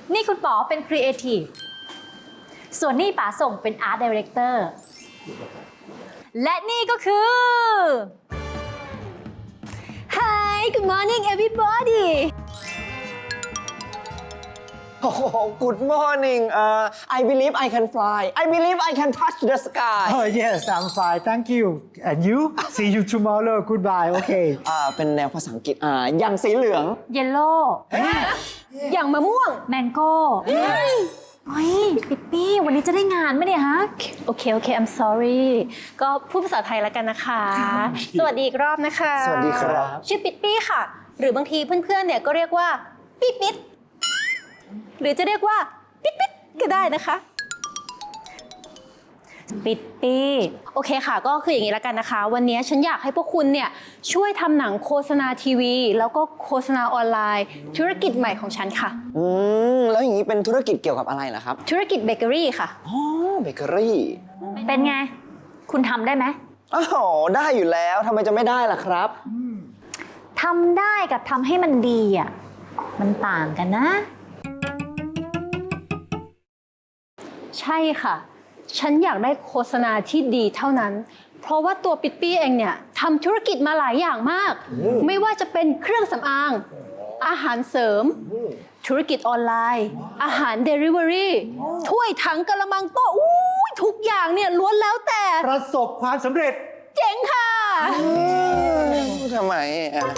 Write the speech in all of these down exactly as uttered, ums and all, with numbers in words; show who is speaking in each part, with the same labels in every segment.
Speaker 1: นี่คุณป๋อเป็นครีเอทีฟส่วนนี่ป๋าส่งเป็นอาร์ตไดเรคเตอร์และนี่ก็คือ Hi good morning everybody
Speaker 2: Oh, good morning. Uh, I believe I can fly. I believe I can touch the sky.
Speaker 3: Oh yes, I'm fine. Thank you. And you? See you tomorrow. Goodbye. Okay.
Speaker 2: อ่าเป็นแนวภาษาอังกฤษอ่าอย่างสีเหลือง
Speaker 1: เยลโล่
Speaker 4: อย่างมะม่วง
Speaker 1: แมงโก้เฮ้ยปิ๊ปปี้วันนี้จะได้งานไหมเนี่ยฮะ
Speaker 4: โอเค โอเค I'm sorry ก็พูดภาษาไทยแล้วกันนะคะ สวัสดีอีกรอบนะคะ
Speaker 2: สวัสดีครับ
Speaker 4: ชื่อปิ๊ดปี้ค่ะ หรือบางทีเพื่อนๆ เนี่ยก็เรียกว่าปิ๊ดปิ๊ดหรือจะเรียกว่าปิ๊ดปิ๊ดก็ได้นะคะปิ๊ดปี้โอเคค่ะ ก็คืออย่างนี้แล้วกันนะคะ วันนี้ฉันอยากให้พวกคุณเนี่ยช่วยทำหนังโฆษณาทีวี แล้วก็โฆษณาออนไลน์ ธุรกิจใหม่ของฉันค่ะ
Speaker 2: อืมแล้วอย่างนี้เป็นธุรกิจเกี่ยวกับอะไรล่ะครับ
Speaker 4: ธุรกิจเบเกอรี่ค่ะ
Speaker 2: อ๋อเบเกอรี่
Speaker 1: เป็นไง คุณทำได้ไหม
Speaker 2: อ้าวได้อยู่แล้วทำไมจะไม่ได้ล่ะครับ
Speaker 1: ทำได้กับทำให้มันดีอ่ะมันต่างกันนะ
Speaker 4: ใช่ค่ะ ฉันอยากได้โฆษณาที่ดีเท่านั้น เพราะว่าตัวปิ๊ดปี้เองเนี่ยทำธุรกิจมาหลายอย่างมาก ไม่ว่าจะเป็นเครื่องสำอาง อาหารเสริม ธุรกิจออนไลน์ อาหารเดลิเวอรี่ ถ้วยถังกระมังโต๊ะอู้ยทุกอย่างเนี่ยล้วนแล้วแต่
Speaker 3: ประสบความสำเร็จ
Speaker 4: เจ๋งค่ะ
Speaker 2: ทำไมอ่ะ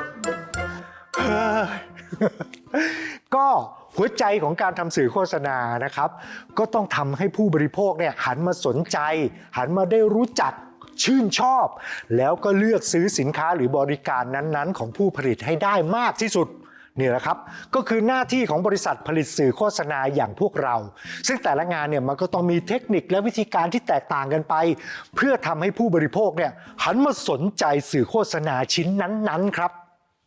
Speaker 3: ก็หัวใจของการทำสื่อโฆษณานะครับ ก็ต้องทำให้ผู้บริโภคเนี่ยหันมาสนใจ หันมาได้รู้จักชื่นชอบ แล้วก็เลือกซื้อสินค้าหรือบริการนั้นๆ ของผู้ผลิตให้ได้มากที่สุดนี่แหละครับก็คือหน้าที่ของบริษัทผลิตสื่อโฆษณาอย่างพวกเรา ซึ่งแต่ละงานเนี่ยมันก็ต้องมีเทคนิคและวิธีการที่แตกต่างกันไป เพื่อทำให้ผู้บริโภคเนี่ยหันมาสนใจสื่อโฆษณาชิ้นนั้นๆครับ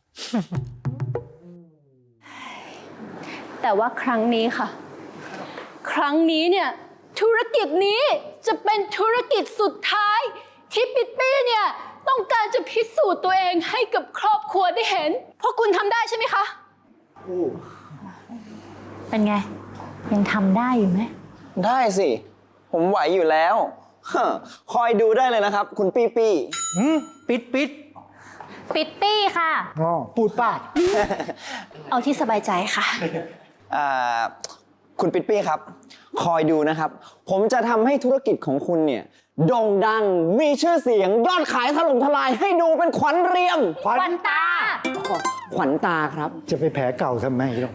Speaker 4: แต่ว่าครั้งนี้ค่ะ ครั้งนี้เนี่ยธุรกิจนี้จะเป็นธุรกิจสุดท้าย ที่ปิ๊ดปี้เนี่ยต้องการจะพิสูจน์ตัวเองให้กับครอบครัวได้เห็นเพราะคุณทำได้ใช่ไหมคะ
Speaker 1: เป็นไง ยังทำได้อยู่ไหม
Speaker 2: ได้สิ ผมไหวอยู่แล้วฮะคอยดูได้เลยนะครับ คุณปี้ปี้
Speaker 3: อืมปิดปิด
Speaker 1: ปิดปี้ค่ะ
Speaker 3: อ๋อพูดป้าด
Speaker 4: เอาที่สบายใจค่ะ
Speaker 2: อ่าคุณปิ๊ดปี้ครับ คอยดูนะครับ ผมจะทำให้ธุรกิจของคุณเนี่ยโด่งดังมีชื่อเสียงยอดขายถล่มทลายให้ดูเป็นขวัญเรียม
Speaker 3: ขวัญ
Speaker 1: ควันตา
Speaker 2: ขวัญตาครับ
Speaker 3: จะไปแผลเก่าทำไมหรอก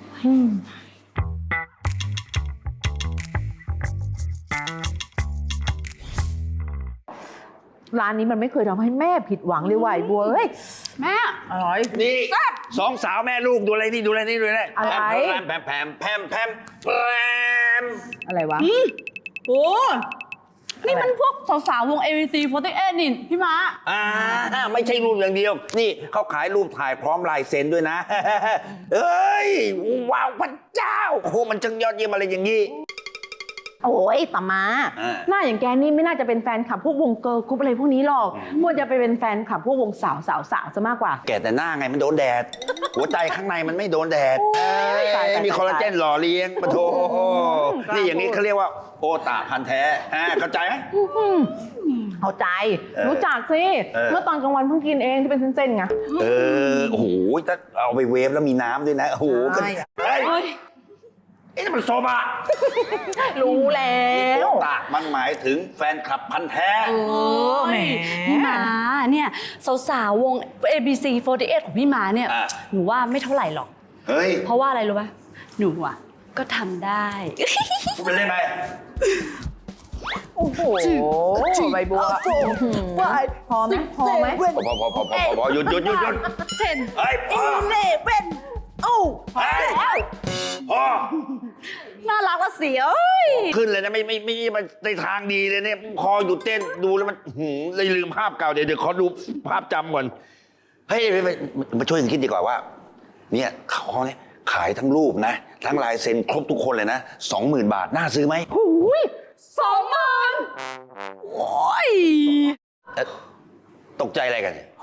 Speaker 5: ร้านนี้มันไม่เคยทำให้แม่ผิดหวังเลยว่ะไอ้บัวเอ้ย
Speaker 4: แม่
Speaker 5: อร่อย
Speaker 6: นี่สองสาวแม่ลูกดูอะไรนี่ดูอะไรนี่ดูอะไร
Speaker 5: อะไร
Speaker 6: แพมแพมแพมแพมแพม
Speaker 5: อะไรวะ
Speaker 7: โอ้นี่มันพวกสาวๆวง เอ วี ซี สี่สิบเอ็ด นี่พี่ม้า
Speaker 6: อ่าไม่ใช่รูปอย่างเดียว นี่เขาขายรูปถ่ายพร้อมลายเซ็นด้วยนะ เอ้ยว้าวพระเจ้าโอ้โหมันจังยอดเยี่ยมอะไรอย่างนี้
Speaker 5: โอ้ยป้ามา
Speaker 6: อ่า
Speaker 5: หน้าอย่างแกนี่ไม่น่าจะเป็นแฟนคลับพวกวงเกิร์ลกรุ๊ปอะไรพวกนี้หรอกควรจะไปเป็นแฟนคลับพวกวงสาวสาวสาวซะมากกว่า
Speaker 6: แกแต่หน้าไงมันโดนแดด หัวใจข้างในมันไม่โดนแดดเอ้
Speaker 5: ตาย
Speaker 6: ย
Speaker 5: ตาย
Speaker 6: มีคอลลาเจนหล่อเลี้ยงปะโถ
Speaker 5: กล้า
Speaker 6: นี่อย่างนี้
Speaker 5: พูด
Speaker 6: เขาเรียกว่าโอตาพันธุ์แท้อ่าเข้าใจไหม
Speaker 5: เข้าใจ
Speaker 6: เออ
Speaker 5: รู้จักสิ
Speaker 6: เออ
Speaker 5: เมื่อตอนกลางวันเพิ่งกินเองที่เป็นเส้นๆไง
Speaker 6: เออโอ้โหถ้าเอาไปเวฟแล้วมีน้ำด้วยนะ โอ้โหก็
Speaker 5: ใช่
Speaker 6: เฮ้ยไอ้นี่มันโซบะ
Speaker 5: รู้แล้ว
Speaker 6: โอตามันหมายถึงแฟนคลับพันธุ์แท้
Speaker 5: เออแหม
Speaker 7: พี่ม้าเนี่ยสาวๆวง เอ บี ซี สี่สิบเอ็ด ของพี่ม้าเนี่ย
Speaker 6: อ่ะ
Speaker 7: หนูว่าไม่เท่าไหร่หรอก
Speaker 6: เฮ้ย
Speaker 7: เพราะว่าอะไรรู้ไหมหนูอ่ะก็ทำได้
Speaker 6: พูดเป็นเล่นไหม
Speaker 5: โอ้โหใบบัวพอไหมพอไหม
Speaker 6: พอพอพอพอพอพอหยุดหยุดหยุดหยุด
Speaker 7: เช่น
Speaker 6: เฮ้ยพอ
Speaker 7: เล่เป็นโอ้
Speaker 6: เฮ้ยพอ
Speaker 7: น่ารักละเสียเอ้ย
Speaker 6: ขึ้นเลยนะไม่ไม่ไม่ไม่ในทางดีเลยเนี่ยพอหยุดเต้นดูแล้วมันหืมเลยลืมภาพเก่าเดี๋ยวเดี๋ยวขอดูภาพจำก่อนเฮ้ยมามาช่วยกันคิดดีกว่าว่า เนี่ยเขาเนี่ยขายทั้งรูปนะ ทั้งลายเซ็นครบทุกคนเลยนะสองหมื่นบาทน่าซื้อไหม
Speaker 7: สองหมื่นโอ้ย
Speaker 6: เอ๊ะตกใจอะไรกันเนี่ย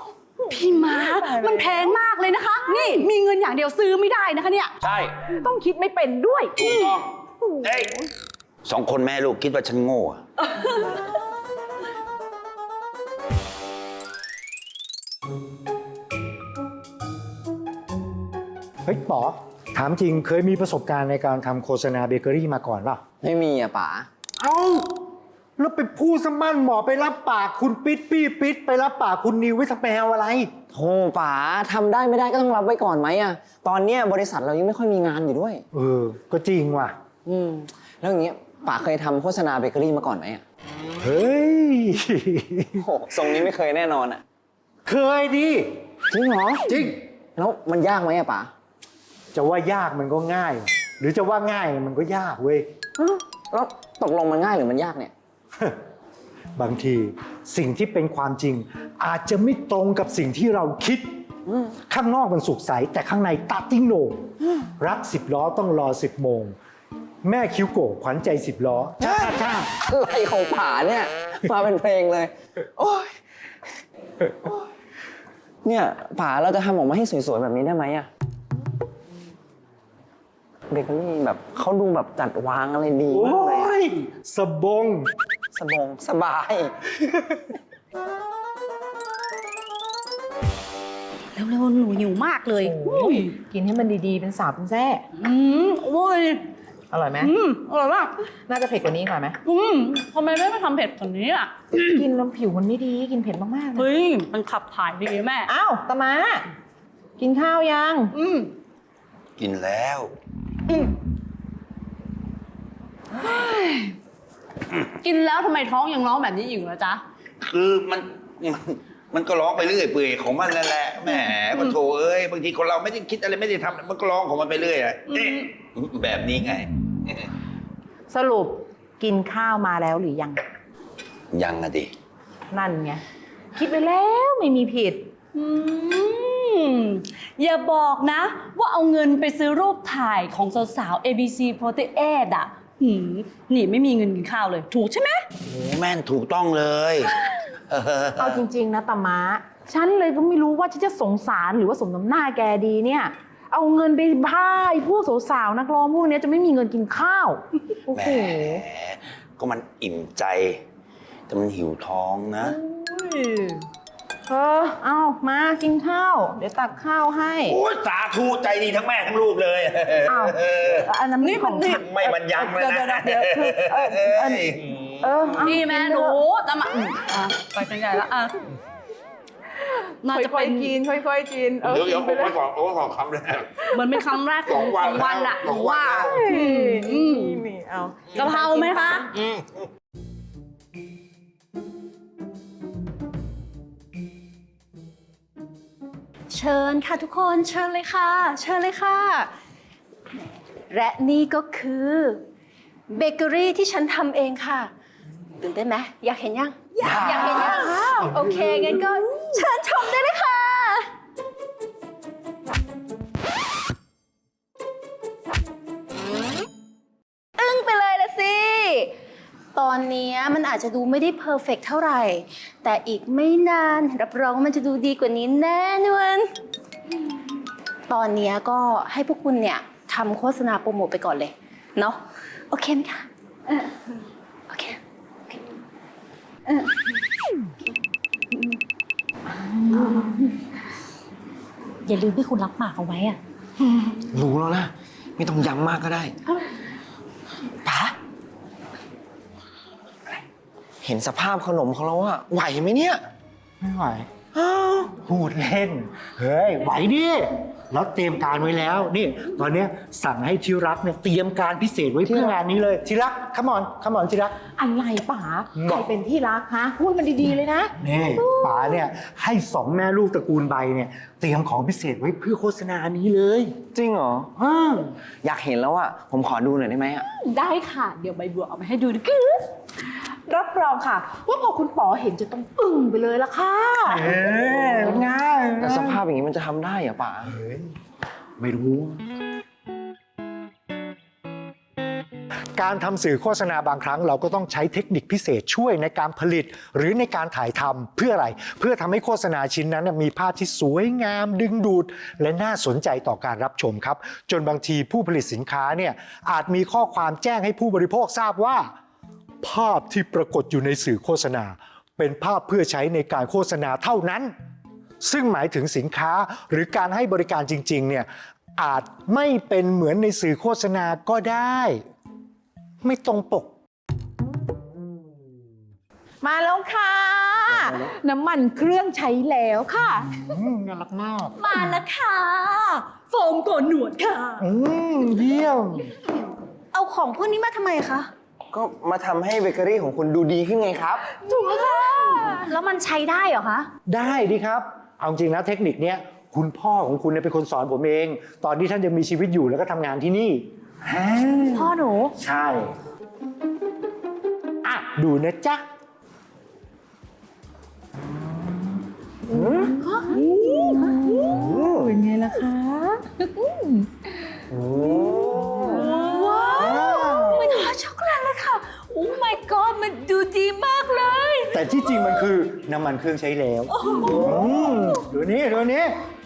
Speaker 7: พี่มาร์คมันแพงมากเลยนะคะ นี่มีเงินอย่างเดียวซื้อไม่ได้นะคะเนี่ย
Speaker 6: ใช่
Speaker 5: ต้องคิดไม่เป็นด้วย
Speaker 6: ถูกต้องเอ้ยสองคนแม่ลูกคิดว่าฉันโง่อะ
Speaker 3: เฮ้ยป๋อถามจริงเคยมีประสบการณ์ในการทำโฆษณาเบเกอรี่มาก่อนเปล่า
Speaker 2: ไม่มีอะป๋า
Speaker 3: เอ้าแล้วไปพูดสมั่นหมอไปรับปากคุณปิ๊ดปี้ปิ๊ดไปรับปากคุณนิวไว้สักแมวอะไร
Speaker 2: โธ่ป๋าทำได้ไม่ได้ก็ต้องรับไว้ก่อนไหมอะตอนเนี้ยบริษัทเรายังไม่ค่อยมีงานอยู่ด้วย
Speaker 3: เออ ก็จริงว่ะ
Speaker 2: อืมแล้วอย่างเงี้ยป๋าเคยทำโฆษณาเบเกอรี่มาก่อนไหมอะ
Speaker 3: เฮ้ย
Speaker 2: โอ้โหทรงนี้ไม่เคยแน่นอนอะ
Speaker 3: เคยดิ
Speaker 2: จริงเหรอ
Speaker 3: จริง
Speaker 2: แล้วมันยากไหมอะป๋า
Speaker 3: จะว่ายากมันก็ง่าย หรือจะว่าง่ายมันก็ยากเว้ย
Speaker 2: แล้วตกลงมันง่ายหรือมันยากเนี่ย
Speaker 3: บางทีสิ่งที่เป็นความจริง อาจจะไม่ตรงกับสิ่งที่เราคิด ข้างนอกมันสุขใสแต่ข้างในตาติ้งโหนงรักสิบล้อต้องรอสิบโมง แม่คิ้วโก่ขวัญใจสิบล้อจ้าจ้า
Speaker 2: อะไรของป๋าเนี่ย มาเป็นเพลงเลย โอ้ยโอ๊ยเนี่ยป๋าเราจะทำออกมาให้สวยๆแบบนี้ได้ไหมอะเบเกอรี่แบบเขาดูแบบจัดวางอะไรดี
Speaker 3: โอ้
Speaker 2: มากเลยอะ
Speaker 3: ยสบง
Speaker 2: สบงสบาย
Speaker 7: เร็วๆหนูหิวมากเลย
Speaker 5: กินให้มันดีๆ เป็นสาวเป็นแซ่
Speaker 7: อืมโอ้ย
Speaker 5: อร่อยไหม
Speaker 7: อืมอร่อยมาก
Speaker 5: น่าจะเผ็ดกว่านี้ก่อนไหม
Speaker 7: อืมทำไมไม่มาทำเผ็ดกว่านี้อ่ะ
Speaker 5: กินแล้วผิวมันไม่ดี กินเผ็ดมากๆนะ
Speaker 7: เฮ้ย มันขับถ่ายดีแม่
Speaker 5: อ้าวตะมากินข้าวยัง
Speaker 7: อืม
Speaker 6: กินแล้ว
Speaker 7: กินแล้วทำไมท้องยังร้องแบบนี้อยู่นะจ๊ะ
Speaker 6: คือมันมันมันก็ร้องไปเรื่อยเปื่อยของมันนั่นแหละแหมก็โถเอ้ยบางทีคนเราไม่ได้คิดอะไรไม่ได้ทำมันก็ร้องของมันไปเรื่อยอะเอ๊ะแบบนี้ไง
Speaker 5: สรุปกินข้าวมาแล้วหรือยัง
Speaker 6: ยังอะดิ
Speaker 5: นั่นไง คิดไปแล้วไม่มีผิด
Speaker 7: อืม อย่าบอกนะ ว่าเอาเงินไปซื้อรูปถ่ายของสาวๆ เอ บี ซี สี่สิบแปด อ่ะหืมนี่ไม่มีเงินกินข้าวเลย ถูกใช่ไหม
Speaker 6: โอ้แม่นถูกต้องเลย
Speaker 5: เอาจริง ๆ นะตะมาฉันเลยก็ไม่รู้ว่าฉันจะสงสารหรือว่าสมน้ำหน้าแกดีเนี่ย เอาเงินไปพายพวกสาวๆนักร้องพวกนี้จะไม่มีเงินกินข้าว โอ้
Speaker 6: แหม
Speaker 5: โห
Speaker 6: ก็มันอิ่มใจ แต่มันหิวท้องนะ
Speaker 5: เออ เอามากินข้าว เดี๋ยวตักข้าวให้
Speaker 6: โอ้ยสาธุใจดีทั้งแม่ทั้งลูกเลย
Speaker 5: อ้าว อันนั้น
Speaker 7: นี่มัน
Speaker 5: ของฉัน
Speaker 6: ไม่บรรยังเลยนะ
Speaker 5: เดี๋ยวเดี๋ยวเดี๋ยวเออเออเออเออเอา
Speaker 7: พี่แม่
Speaker 5: กิ
Speaker 7: ห
Speaker 5: ไป
Speaker 7: นู
Speaker 5: เถอะ
Speaker 7: ตามมาอืมอ่ะไปกันใหญ่แล้วอ่ะน่าจะ
Speaker 5: ค่อ
Speaker 7: เป็
Speaker 5: ย
Speaker 7: น
Speaker 5: ๆกิน ค่อยๆกิน เออ
Speaker 6: เดี๋ยวเดี๋ยว
Speaker 5: กิน
Speaker 6: ผ
Speaker 5: ไป
Speaker 6: ม
Speaker 5: เล
Speaker 6: ไว้
Speaker 5: ย
Speaker 6: ก่อนผมไว้ก่อนคำแรก
Speaker 7: เหมือนเป็นคำแรกของ
Speaker 6: สองวัน
Speaker 7: ของวันอะห
Speaker 6: ส
Speaker 7: นู
Speaker 6: องวัน
Speaker 7: ว่า
Speaker 6: แล้ว
Speaker 7: อืม
Speaker 5: นี่เอา
Speaker 7: กะเพราไหมคะ
Speaker 6: อืม
Speaker 1: เชิญค่ะทุกคนเชิญเลยค่ะ เชิญเลยค่ะ และนี่ก็คือเบเกอรี่ที่ฉันทำเองค่ะตื่นเต้นไหมอยากเห็นยัง อยากอยากเห็นยังโอเคงั้นก็เชิญชมได้เลยค่ะ อึ้งไปเลยละสิ ตอนนี้มันอาจจะดูไม่ได้เพอร์เฟกเท่าไหร่ แต่อีกไม่นานรับรองว่ามันจะดูดีกว่านี้แน่นอนตอนนี้ก็ให้พวกคุณเนี่ยทำโฆษณาโปรโมทไปก่อนเลย เนาะโอเคไหมคะเออโอเคโอเคเอออย่าลืมที่คุณรับปากเอาไว้อะ
Speaker 2: รู้แล้วนะ ไม่ต้องย้ำมากก็ได้ป๋าเห็นสภาพขนมของเราอะไหวไหมเนี่ย
Speaker 3: ไม่ไหวพูดเล่น เฮ้ย ไหวดิเราเตรียมการไว้แล้ว นี่ ตอนเนี้ยสั่งให้ที่รักเนี่ยเตรียมการพิเศษไว้เพื่องานนี้เลยที่รักขมอนขมอนที่รัก
Speaker 5: อะไรป๋า
Speaker 3: บ
Speaker 5: ใค
Speaker 3: อ
Speaker 5: ร
Speaker 3: ก
Speaker 5: เป็นที่รักฮะ พูดมันดีๆเลยนะ
Speaker 3: นี่ป๋าเนี่ยให้สองแม่ลูกตระกูลใบเนี่ยเตรียมของพิเศษไว้เพื่อโฆษณานี้เลย
Speaker 2: จริงเหรอ
Speaker 3: อ้าว
Speaker 2: อยากเห็นแล้วอะผมขอดูหน่อยได้ไหมอะ
Speaker 7: ได้ค่ะ เดี๋ยวใบบัวเอามาให้ดูดิ
Speaker 5: รับรองค่ะ ว่าพอคุณป๋อเห็นจะต้องอึ้งไปเลยละค่ะ
Speaker 3: เอ๊ะง่าย
Speaker 2: แต่สภาพอย่างนี้มันจะทำได้เหรอป๋า
Speaker 3: เฮ้ยไม่รู้การทำสื่อโฆษณาบางครั้งเราก็ต้องใช้เทคนิคพิเศษช่วยในการผลิต หรือในการถ่ายทำเพื่ออะไรเพื่อทำให้โฆษณาชิ้นนั้นมีภาพที่สวยงามดึงดูดและน่าสนใจต่อการรับชมครับจนบางทีผู้ผลิตสินค้าเนี่ยอาจมีข้อความแจ้งให้ผู้บริโภคทราบว่าภาพที่ปรากฏอยู่ในสื่อโฆษณาเป็นภาพเพื่อใช้ในการโฆษณาเท่านั้นซึ่งหมายถึงสินค้าหรือการให้บริการจริงๆเนี่ยอาจไม่เป็นเหมือนในสื่อโฆษณาก็ได้ไม่ตรงปก
Speaker 5: มาแล้วค่ะ น้ำมันเครื่องใช้แล้วค่ะ
Speaker 3: น่ารักมาก
Speaker 7: มาแล้วค่ะโฟมโกนหนวดค่ะ
Speaker 3: อืมเยี่ยม
Speaker 1: เอาของพวกนี้มาทำไมคะ
Speaker 2: ก็มาทำให้เบเกอรี่ของคุณดูดีขึ้นไงครับ
Speaker 1: ถูกค่ะ แล้วมันใช้ได้เหรอคะ
Speaker 3: ได้ดีครับ เอาจริงนะเทคนิคเนี้ยคุณพ่อของคุณเนี่ยเป็นคนสอนผมเอง ตอนที่ท่านยังมีชีวิตอยู่แล้วก็ทำงานที่นี่
Speaker 1: พ่อหนู
Speaker 3: ใช่อ่ะดูนะจ๊ะเป็นไงล่ะคะ
Speaker 7: ว้าวมันหอมช็อกโกแลตเลยค่ะ โอ้ my god มันดูดีมากเลย
Speaker 3: แต่ที่จริงมันคือน้ำมันเครื่องใช้แล้วมดูนี้ดูนี้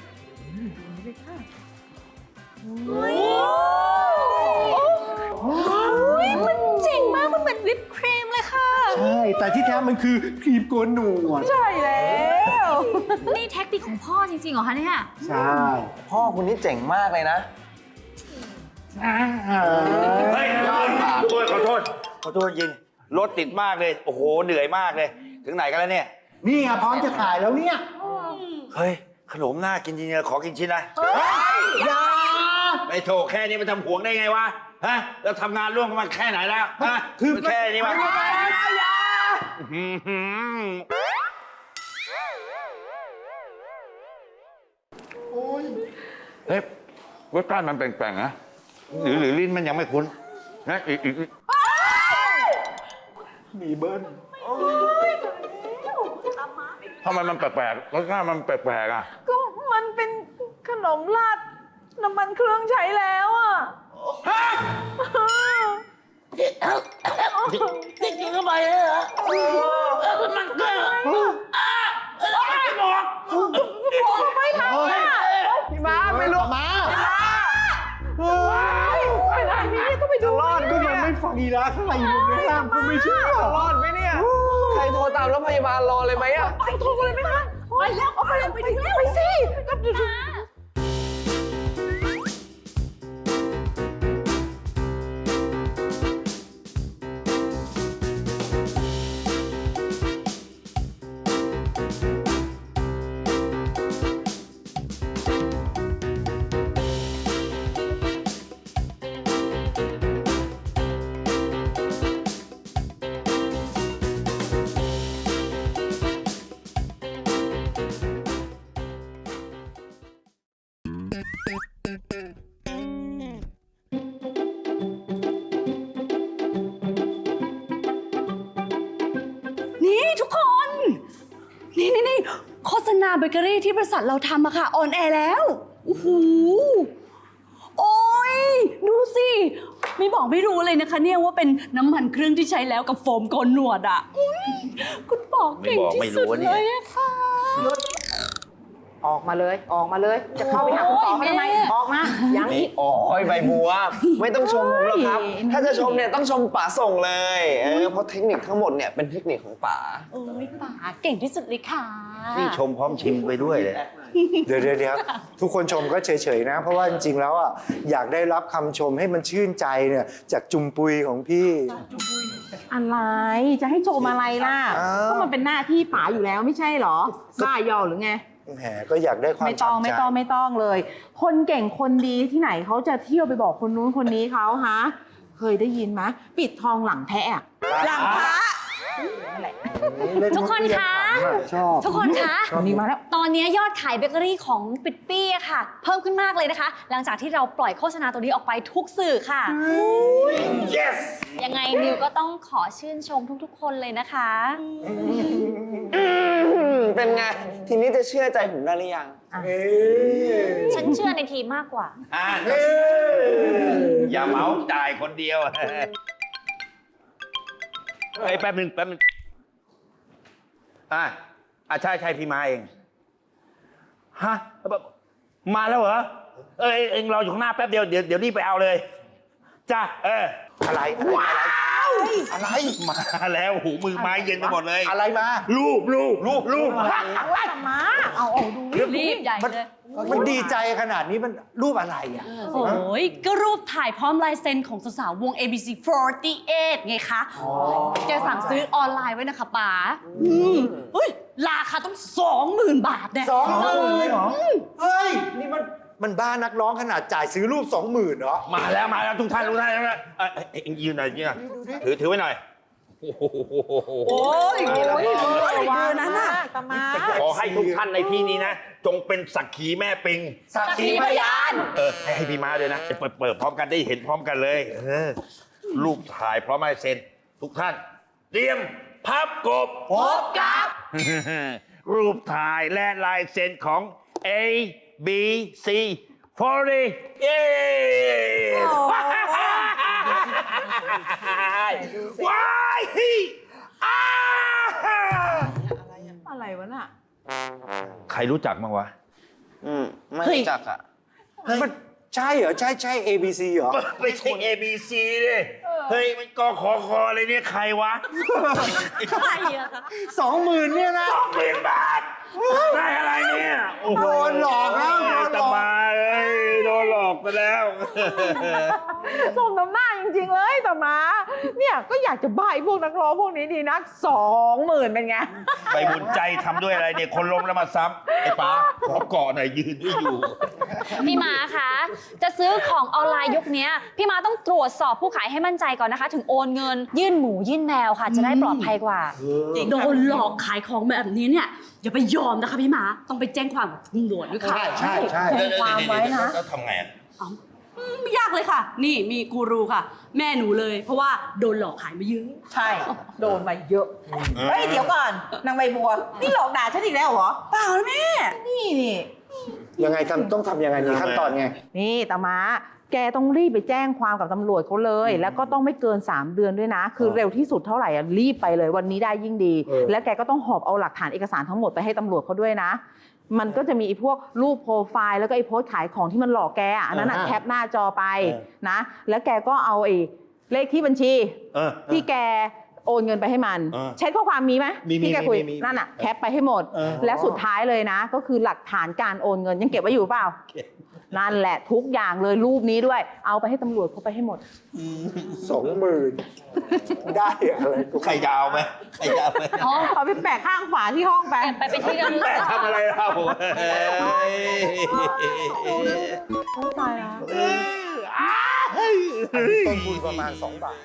Speaker 7: มันเจ๋งมาก มันเหมือนวิปครีมเลยค่ะ
Speaker 3: ใช่แต่ที่แท้มันคือครีมโกนหนวด
Speaker 5: ใช่แล้ว
Speaker 7: นี่แท็กติกของพ่อจริงๆเหรอคะเนี่ย
Speaker 3: ใช่
Speaker 2: พ่อคุณนี่เจ๋งมากเลยนะ
Speaker 6: เฮ้ยขอโทษขอโทษขอโทษจริงรถติดมากเลย โอ้โห เหนื่อยมากเลย ถึงไหนกันแล้วเนี่ย
Speaker 3: นี่ไงพร้อมจะถ่ายแล้วเนี่ย
Speaker 6: เฮ้ย ขนมน่ากินจริงๆขอกินชิ้นนะ
Speaker 3: อย่า
Speaker 6: ไอ้โถแค่นี้มันทำหวงได้ไงวะ ฮะ เราทำงานร่วมกันมาแค่ไหนแล้ว ฮะ คือแค่นี้วะอื้อหือเฮ้ยรสชาติมันแปลกๆนะ หรือหรือลิ้นมันยังไม่คุ้นนะอีกอีกอีก
Speaker 3: มีเบิ้ล
Speaker 6: ทำไมมันแปลกๆรสชาติมันแปลกๆอ่ะ
Speaker 5: ก็มันเป็นขนมราดน้ำมันเครื่องใช้แล้วอ่ะ
Speaker 6: จริงๆก็ไปเลยเหรอมันเกินไม่บอก
Speaker 5: ไม่ทำอ่ะ
Speaker 2: พี่ม้าไม่รู้ม้า
Speaker 5: ไปทางนี้ต้องไปดู
Speaker 3: รอดก็ยังไม่ฟังอีละข้างในอยู่ในห้างก็ไม่เชื่อ
Speaker 2: รอดไหมเนี่ย ใครโทรตามแล้วพยาบาลรอเลยไหมอะ
Speaker 5: ไปโทรเลยไหมคะไปแล้วเอาไปเลยไปถึงแล้วไปสิก็ดู
Speaker 7: นี่ทุกคน นี่นี่นี่โฆษณาเบเกอรี่ที่บริษัทเราทำอะค่ะออนแอร์แล้วโอ้โหโอ้ยดูสิ ไม่บอกไม่รู้เลยนะคะเนี่ยว่าเป็นน้ำมันเครื่องที่ใช้แล้วกับโฟมโกนหนวดอะอุ๊ยคุณบอกเก่งที่สุดเลยอะค่ะ
Speaker 5: ออกมาเลยออกมาเลย จะเข้าไปหาคุณต่อเขาทำไมออกมายังอี
Speaker 2: นี่
Speaker 5: ก
Speaker 2: โอ้ยใบบัว ไม่ต้องชมผมหรอกครับ
Speaker 5: โอ้ย
Speaker 2: ถ้าจะชมเนี่ยต้องชมป๋าส่งเลย เออ เพราะเทคนิคทั้งหมดเนี่ยเป็นเทคนิคของป๋า
Speaker 7: โอ้ยป๋าเก่งที่สุดเลยค่ะ
Speaker 6: นี่ชมพร้อมชิมไปด้วยเลย
Speaker 3: เดี๋ยวเดี๋ยวเดี๋ยวทุกคนชมก็เฉยๆนะ เพราะว่าจริงๆแล้วอ่ะอยากได้รับคำชมให้มันชื่นใจเนี่ยจากจุมปุยของพี่
Speaker 5: อะไรจะให้ชมอะไรล่ะ
Speaker 3: อ้าว
Speaker 5: ก็มันเป็นหน้าที่ป๋าอยู่แล้วไม่ใช่เหรอบ้ายอหรือไง
Speaker 3: แหมก็อยากได้ความ
Speaker 5: ไม่ต้อง
Speaker 3: ฉ่ำใจ
Speaker 5: ไม่ต้องไม่ต้องเลย คนเก่งคนดีที่ไหนเขาจะเที่ยวไปบอกคนนู้นคนนี้เขาฮะเคยได้ยินไหมปิดทองหลังแพะอะหลังพระนั่นแหละ
Speaker 7: ทุกคนคะ
Speaker 3: ชอบ
Speaker 7: ทุกคนคะ
Speaker 5: วันนี้มาแล้ว
Speaker 7: ตอนนี้ยอดขายเบเกอรี่ของปิดปี้อะค่ะ เพิ่มขึ้นมากเลยนะคะ หลังจากที่เราปล่อยโฆษณาตัวนี้ออกไปทุกสื่อค่ะ
Speaker 6: yes
Speaker 7: ยังไงนิวก็ต้องขอชื่นชมทุกๆ คนเลยนะคะ
Speaker 2: เป็นไง ทีนี้จะเชื่อใจผมได้หรือยัง
Speaker 7: ฉันเชื่อในทีมมากกว่า
Speaker 6: อ่ะอย่าเหมาจ่ายคนเดียวเอ้ยแป๊บหนึ่งแป๊บหนึ่งอ่ะอ่ะใช่ใช่พี่มาเองฮะมาแล้วเหรอเอ้ยเอ็งรออยู่ข้างหน้าแป๊บเดียวเดี๋ยวเดี๋ยวรีบไปเอาเลยจ้าเออ
Speaker 3: อะไรอะไร
Speaker 6: ว้าว
Speaker 3: อะไร
Speaker 6: มาแล้วหูมือไม้เย็นไปหมดเลย
Speaker 3: อะไรมา
Speaker 6: รูปรูปรูปรูป
Speaker 5: มาเอาเอาดู
Speaker 7: รีบใหญ่
Speaker 3: มัน
Speaker 7: เลย
Speaker 3: มันดีใจขนาดนี้มันรูปอะไรอ่ะ
Speaker 7: โอ้ยก็รูปถ่ายพร้อมลายเซ็นของสาวๆวง เอ บี ซี สี่สิบแปด ไงคะแกสั่งซื้อออนไลน์ไว้นะคะป๋าอืมอุ้ยราคาต้องสองหมื่นบาทเนี่ย
Speaker 3: สองหมื่นเลยเหรอ เฮ้ย นี่มันมันบ้านักร้องขนาดจ่ายซื้อรูปสองหมื่นเหรอ
Speaker 6: มาแล้วมาแล้วทุกท่านทุกท่านนะเอ้ยเอ้ยเอ็งยืนหน่อยยืนหน่อยถือถือไว้หน่อยโอ้โห
Speaker 7: โอ้ย
Speaker 6: มาแล้ว
Speaker 7: โอ้ย
Speaker 6: มาแล้ว
Speaker 7: อะไรเบอร์นั้นน่ะ
Speaker 5: ตามา
Speaker 6: ขอให้ทุกท่านในที่นี้นะ จงเป็นสักขีแม่ปิง
Speaker 3: สักขีพยาน
Speaker 6: เออให้ให้พี่ม้าด้วยนะเปิดเปิดพร้อมกันได้เห็นพร้อมกันเลยเออรูปถ่ายพร้อมลายเซ็นทุกท่าน เตรียมพับกบ
Speaker 3: พบกับ
Speaker 6: รูปถ่ายและลายเซ็นของ A B C สี่สิบเย้ว้ายอ้า
Speaker 5: อะไรวะน่ะ
Speaker 6: ใครรู้จักมั้งวะ
Speaker 2: อืม ไม่รู้จักอ่ะ
Speaker 3: มันใช่เหรอ ใช่ใช่ เอ บี ซี เหรอ
Speaker 6: ไม่ใช่ A B C เลยเฮ้ย มันกขอคอเลยเนี่ย ใครวะ
Speaker 7: ใครอะคะ
Speaker 3: สองหมื่นเนี่ยนะ
Speaker 6: สองหมื่นบาท ได้อะไรเนี่ยโอ้โห
Speaker 3: โดนหลอกแล้วโดนหลอก
Speaker 6: จะมาเอ้ยโดนหลอกไปแล้ว
Speaker 5: สมน้ำหน้าจริงๆเลยตามาเนี่ยก็อยากจะบ้าไอ้พวกนักร้องพวกนี้ดีนักสองหมื่นเป็นไง
Speaker 6: ไปบุญใจทำด้วยอะไรเนี่ย คนล้มแล้วมาซ้ำไอ้ป๋าขอเกาะหน่อยยืนไม่อยู่
Speaker 8: พี่ม้าคะจะซื้อของออนไลน์ยุคนี้พี่ม้าต้องตรวจสอบผู้ขายให้มั่นใจก่อนนะคะ ถึงโอนเงิน ยื่นหมูยื่นแมวค่ะ จะได้ปลอดภัยกว่า
Speaker 7: โดนหลอกขายของแบบนี้เนี่ยอย่าไปยอมนะคะพี่หมาต้องไปแจ้งความกับตำรวจด้วยค่ะ
Speaker 3: ใช่ใช่ใช่
Speaker 5: แจ้งความไว้นะ
Speaker 6: แล้วทำไงอะ
Speaker 7: อืมไม่ยากเลยค่ะ นี่มีกูรูค่ะ แม่หนูเลย เพราะว่าโดนหลอกขายมาเยอะ
Speaker 5: ใช่ โดนมาเยอะ เฮ้ย เดี๋ยวก่อน นางใบบัว นี่หลอกด่าฉันอีกแล้วเหรอ
Speaker 7: เปล่านะแม่
Speaker 5: นี่นี่
Speaker 3: ยังไงทำต้องทำยังไงมีขั้นตอนไง
Speaker 5: นี่ตามาแกต้องรีบไปแจ้งความกับตำรวจเขาเลย แล้วก็ต้องไม่เกินสามเดือนด้วยนะ คือเร็วที่สุดเท่าไหร่อ่ะรีบไปเลยวันนี้ได้ยิ่งดี
Speaker 3: เออ
Speaker 5: แล้วแกก็ต้องหอบเอาหลักฐานเอกสารทั้งหมดไปให้ตำรวจเขาด้วยนะ มันก็จะมีไอ้พวกรูปโปรไฟล์แล้วก็ไอ้โพสต์ขายของที่มันหลอกแกอ่ะอันนั้นอ่ะ
Speaker 3: อ่า
Speaker 5: แคปหน้าจอไป
Speaker 3: เออ
Speaker 5: นะ แล้วแกก็เอาไอ้เลขที่บัญชี
Speaker 6: เออ
Speaker 5: ที่แกโอนเงินไปให้มัน
Speaker 6: เออ
Speaker 5: แชทข้อความมีไหม
Speaker 3: มีมี
Speaker 5: ที่แกคุย
Speaker 3: มีมี
Speaker 5: นั่นอ่ะแคปไปให้หมด
Speaker 3: เออ
Speaker 5: และสุดท้ายเลยนะ ก็คือหลักฐานการโอนเงินยังเก็บไว้อยู่เปล่า นั่นแหละทุกอย่างเลยรูปนี้ด้วย เอาไปให้ตำรวจเขาไปให้หมด
Speaker 3: สองหมื่นได้อะไรกู
Speaker 6: ใครจะเอาไหมใครจะเอาไหม
Speaker 8: อ๋อ
Speaker 5: เอาไปแปะข้างฝาที่ห้องไป
Speaker 8: ไปเป็นที่ระลึก
Speaker 6: แม่ทำอะไรเราเฮ้ย
Speaker 5: ตายแล้ว
Speaker 3: อันนี้ต้นทุนประมาณสองบาท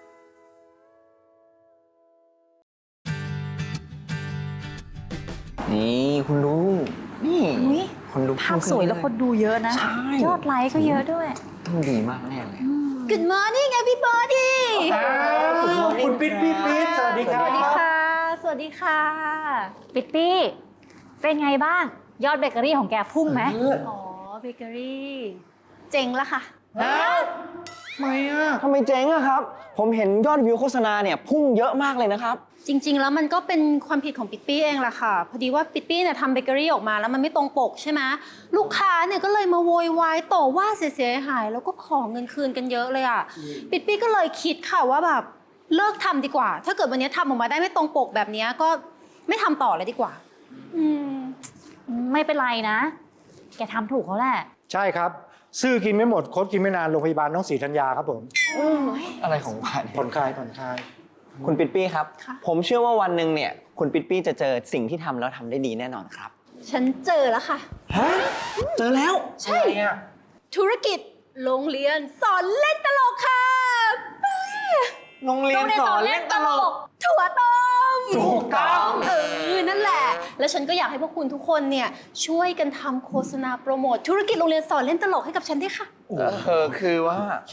Speaker 2: นี่คุณดู นี่
Speaker 8: อุ๊ย
Speaker 2: คนดู
Speaker 8: ภาพสวยแล้วคนดูเยอะนะ
Speaker 2: ใช่
Speaker 8: ยอดไลค์ก็เยอะด้วย
Speaker 2: ต้องดีมากแน่เลย
Speaker 1: Good morning everybody
Speaker 3: คุณปิ๊ดปิ๊ดปิ๊ดสวัสดีค
Speaker 8: ส
Speaker 3: รับ
Speaker 8: วัสดีค่ะ สวัสดีค่ะ ปิ๊ตปี้ เป็นไงบ้าง ยอดเบเกอรี่ของแกพุ่งไหม
Speaker 1: อ๋อเบเกอรี่เจ๋งละค่ะ
Speaker 2: ทำไมอ่ะทำไมเจ๊งอะครับ ผมเห็นยอดวิวโฆษณาเนี่ยพุ่งเยอะมากเลยนะครับ
Speaker 1: จริง ๆ แล้วมันก็เป็นความผิดของปิ๊ปปี้เองแหละค่ะ พอดีว่าปิ๊ปปี้เนี่ยทำเบเกอรี่ออกมาแล้วมันไม่ตรงปกใช่ไหมลูกค้าเนี่ยก็เลยมาโวยวายต่อว่าเสียหายๆแล้วก็ขอเงินคืนกันเยอะเลยอ่ะปิ๊ปปี้ก็เลยคิดค่ะว่าแบบเลิกทำดีกว่า ถ้าเกิดวันนี้ทำออกมาได้ไม่ตรงปกแบบนี้ก็ไม่ทำต่อเลยดีกว่า
Speaker 8: อืม ไม่เป็นไรนะ แกทำถูกเขาแหละ
Speaker 3: ใช่ครับ ซื้อกินไม่หมด คดกินไม่นาน โรงพยาบาลน้องศรีธัญญาครับผม
Speaker 2: อะไรของบ้าน
Speaker 3: ผ่อนคลายผ่อนคลาย
Speaker 2: คุณปิ๊ดปี้ครับ
Speaker 1: ค่ะ
Speaker 2: ผมเชื่อว่าวันหนึ่งเนี่ย คุณปิ๊ดปี้จะเจอสิ่งที่ทำแล้วทำได้ดีแน่นอนครับ
Speaker 1: ฉันเจอแล้วค่ะ
Speaker 2: ฮะ เจอแล้ว
Speaker 1: ใช่ธุรกิจโรงเรียนสอนเล่นตลกค่ะ
Speaker 2: โรงเรียนสอนเล่นตลก
Speaker 1: ถั่วต้ม
Speaker 2: ถูกต้อง
Speaker 1: เออนั่นแหละ แล้วฉันก็อยากให้พวกคุณทุกคนเนี่ยช่วยกันทำโฆษณาโปรโมทธุรกิจโรงเรียนสอนเล่นตลกให้กับฉันด้วยค่ะ
Speaker 2: เออคือว่า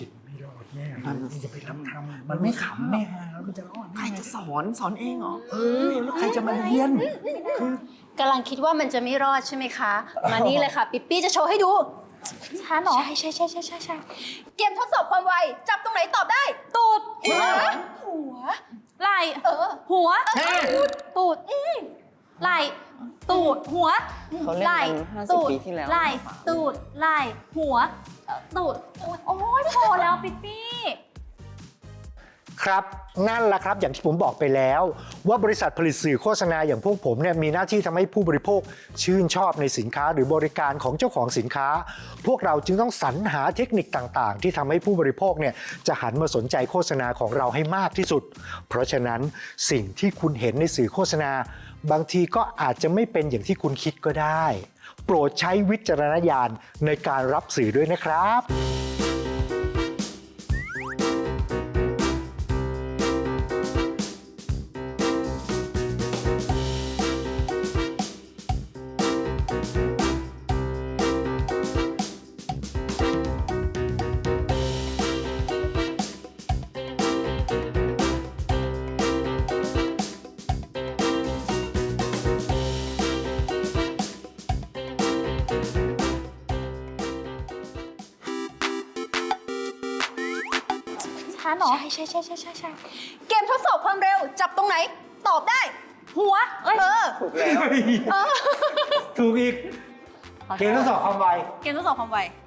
Speaker 3: มันไม่ขำแน่แล้วมันจะรอด
Speaker 2: ใครจะสอนสอนเองเหรอ
Speaker 3: เออ แล้วใครจะมาเรียน
Speaker 1: กำลังคิดว่ามันจะไม่รอดใช่ไหมคะ มานี่เลยค่ะ ปิ๊ปปี้จะโชว์ให้ดู
Speaker 8: ฉันเหรอ
Speaker 1: ใช่ใช่ใช่ใช่ใช่ใช่เกมทดสอบความไว จับตรงไหนตอบได้ ตูดหัวหัว
Speaker 8: ไหล่หัว ตูดไหล่ตูดหัว
Speaker 2: เขาเล่น
Speaker 8: ไหล่
Speaker 2: กันห้าสิบ
Speaker 8: ตูด
Speaker 2: ปีที่แล้ว
Speaker 8: ไหล่ตูดไหล่หัวเอ่อตูดโอ้ยพอแล้วปิ๊ปปี้
Speaker 3: ครับนั่นแหละครับอย่างที่ผมบอกไปแล้ว ว่าบริษัทผลิตสื่อโฆษณาอย่างพวกผมเนี่ยมีหน้าที่ทำให้ผู้บริโภคชื่นชอบในสินค้าหรือบริการของเจ้าของสินค้า พวกเราจึงต้องสรรหาเทคนิคต่างๆ ที่ทำให้ผู้บริโภคเนี่ยจะหันมาสนใจโฆษณาของเราให้มากที่สุด เพราะฉะนั้นสิ่งที่คุณเห็นในสื่อโฆษณา บางทีก็อาจจะไม่เป็นอย่างที่คุณคิดก็ได้ โปรดใช้วิจารณญาณในการรับสื่อด้วยนะครับ
Speaker 8: ช้าหรอ
Speaker 1: ใช่ใช่ใช่ใช่ใช่ใช่เกมทดสอบความเร็ว จับตรงไหน ตอบได้
Speaker 8: หัวเอ้ย
Speaker 1: เออ
Speaker 2: ถูกแล้ว
Speaker 3: ถูกอีก เกมทดสอบความไว
Speaker 1: เกมทดสอบความไว